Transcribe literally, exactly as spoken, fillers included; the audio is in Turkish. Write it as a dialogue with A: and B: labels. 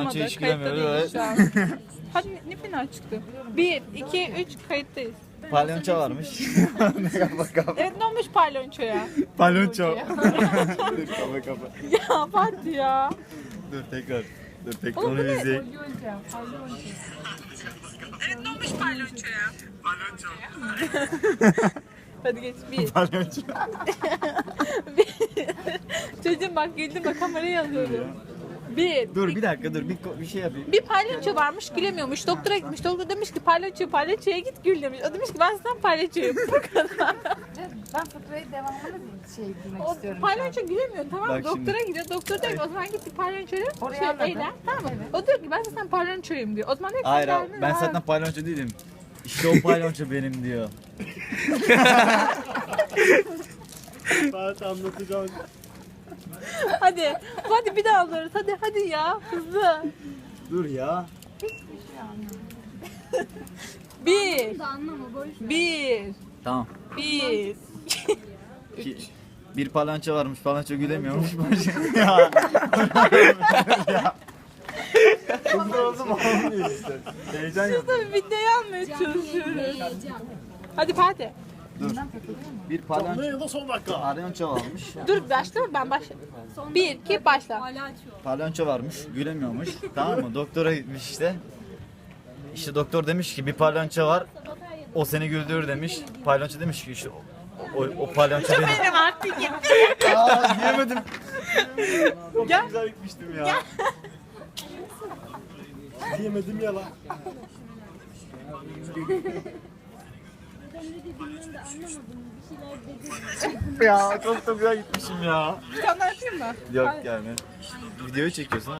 A: Palyaço hiç
B: Kayıtta
A: gülemiyor,
B: değiliz
A: evet.
B: şu an. Hadi ne fena çıktı. Bir, iki, üç kayıttayız.
A: Palyaço varmış. Kapa kapa.
B: Evet ne olmuş palyonçoya?
A: Palyaço. Dur kapa kapa.
B: Ya Fatih ya.
A: Dur tekrar. Dur tekrar
B: Oğlum bu
A: onu
B: ne?
A: izleyin.
B: Evet ne olmuş palyonçoya? Palyonço. Hadi geç bir.
A: Palyaço.
B: Çocuğum bak güldüm bak kamerayı alıyorum. Bir.
A: Dur bir dakika dur bir, ko- bir şey yapayım.
B: Bir palyaço varmış gülemiyormuş. Doktora gitmiş. Doktor demiş ki palyaço palyaçoya git gül demiş. O demiş ki ben sana palyaçoyum. Bu kadar.
C: Ben fıkrayı devamlı bir şey bilmek
B: O
C: istiyorum.
B: palyaço gülemiyor tamam mı?
A: Bak
B: Doktora
A: şimdi.
B: gidiyor. Doktor diyor ki o zaman git bir palyaçoya
C: Orayı
B: şey
C: anladım.
B: eğlen. Tamam mı? O diyor ki ben sana palyaçoyum diyor. O zaman diyor ki
A: Hayır
B: sen
A: abi,
B: geldin,
A: ben
B: ha.
A: zaten palyaço değilim. İşte o palyaço benim diyor.
D: Fatih anlatacağım.
B: Hadi. Hadi bir daha alırız. Hadi hadi ya. Hızlı.
A: Dur ya.
B: Bir. Bir.
A: Tamam.
B: Bir.
A: Ki, bir palyaço varmış, palyaço gülemiyormuş. ya. ya. Hızlı oldum olmuyor işte. Heyecan yok.
B: Tabii videoyu almaya çalışıyoruz. Hadi Fatih.
A: Dur. Bir
D: Ne
A: palyaço,
D: ya da son dakika.
A: palyaço varmış.
B: Dur başla ben başla. Bir, iki, başla.
A: Palyaço varmış, gülemiyormuş. Tamam mı? Doktora gitmiş işte. İşte doktor demiş ki bir palyaço var. O seni güldürür demiş. Palyaço demiş ki işte o, o, o palyaço benim.
B: Benim artık gitti.
A: Aa diyemedim.
B: Gel.
A: Güzel gitmiştim ya.
D: Diyemedim ya lan.
A: ya çok da güzel gitmişim ya.
B: Bir tane daha yapayım mı?
A: Yok yani. Videoyu çekiyorsun.